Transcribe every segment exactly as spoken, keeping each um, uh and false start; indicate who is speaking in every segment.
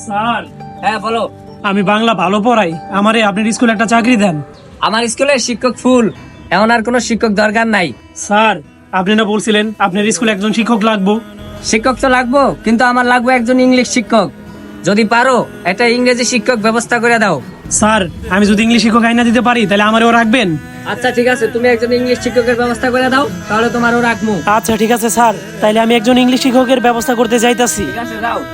Speaker 1: Sir,
Speaker 2: হ্যাঁ বলো।
Speaker 1: আমি বাংলা ভালো পড়াই, আমারে আপনার স্কুলে একটা চাকরি দেন।
Speaker 2: আমার স্কুলের শিক্ষক ফুল, এখন আর কোনো শিক্ষক দরকার নাই।
Speaker 1: স্যার, আপনি না বলছিলেন আপনার স্কুলে একজন শিক্ষক লাগবো?
Speaker 2: শিক্ষক তো লাগবো, কিন্তু আমার লাগবে একজন ইংলিশ শিক্ষক। যদি পারো একটা ইংরেজি শিক্ষক ব্যবস্থা করে দাও।
Speaker 1: স্যার, আমি যদি ইংলিশ শিক্ষক আইনা দিতে পারি তাহলে আমারও রাখবেন?
Speaker 2: আচ্ছা ঠিক আছে, তুমি একজন ইংলিশ শিক্ষকের ব্যবস্থা করে দাও, তাহলে তোমারও রাখবো।
Speaker 1: আচ্ছা ঠিক আছে স্যার, তাইলে আমি একজন ইংলিশ শিক্ষকের ব্যবস্থা করতে যাইতাছি।
Speaker 2: ঠিক আছে, যাও।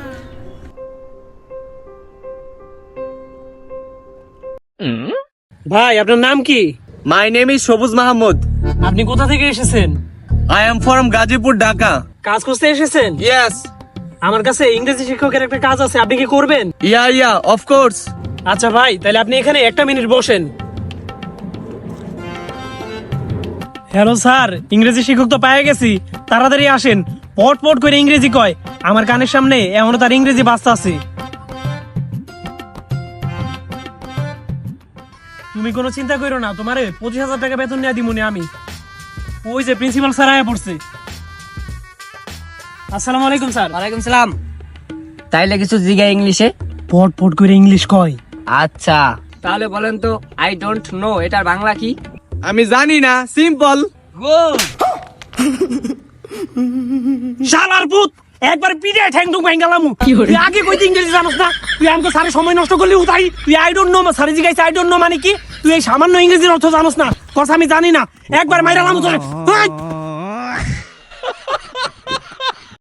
Speaker 1: ভাই, আপনার নাম কি?
Speaker 3: My name is Shobuz Mahamud.
Speaker 1: আপনি কোথা থেকে এসেছেন?
Speaker 3: I am from Gazipur, Dhaka.
Speaker 1: কাজ করতে এসেছেন?
Speaker 3: Yes.
Speaker 1: আমার কাছে ইংরেজি শিক্ষকের একটা কাজ আছে, আপনি কি করবেন?
Speaker 3: Yeah, yeah, of course.
Speaker 1: আচ্ছা ভাই, তাহলে আপনি এখানে একটা মিনিট বসেন। হ্যালো স্যার, ইংরেজি শিক্ষক তো পেয়ে গেছি, তাড়াতাড়ি আসেন। পট পট করে ইংরেজি কয়, আমার কানের সামনে এমনও তার ইংরেজি বাস্তা আছে। তুমি কোনো চিন্তা করো না, তোমারে পঁচিশ হাজার টাকা বেতন নিয়ে দিমুনি আমি। ওই যে প্রিন্সিপাল স্যার আয়া পড়ছে। আসসালামু আলাইকুম স্যার।
Speaker 2: ওয়ালাইকুম সালাম। তাইলে কিছু জিগা ইংলিশে?
Speaker 1: পট পট করে ইংলিশ কয়।
Speaker 2: আচ্ছা, তাহলে বলেন তো, আই ডোন্ট নো এটার বাংলা কি?
Speaker 3: আমি জানি না, সিম্পল।
Speaker 2: গুড।
Speaker 1: শালার পুত, একবার পিড়ে ঠ্যাং ঠুং ভাঙালাম। তুই আগে কইতে ইংরেজি জানোস না? তুই আমাকে স্যারের সময় নষ্ট করলি উঠাই। তুই আই ডোন্ট নো, স্যারে জিজ্ঞাসা আই ডোন্ট নো মানে কি? তুই এই সামান্য ইংরেজির অর্থ জানোস না? কথা আমি জানি না, একবার মাইরালাম তোরে।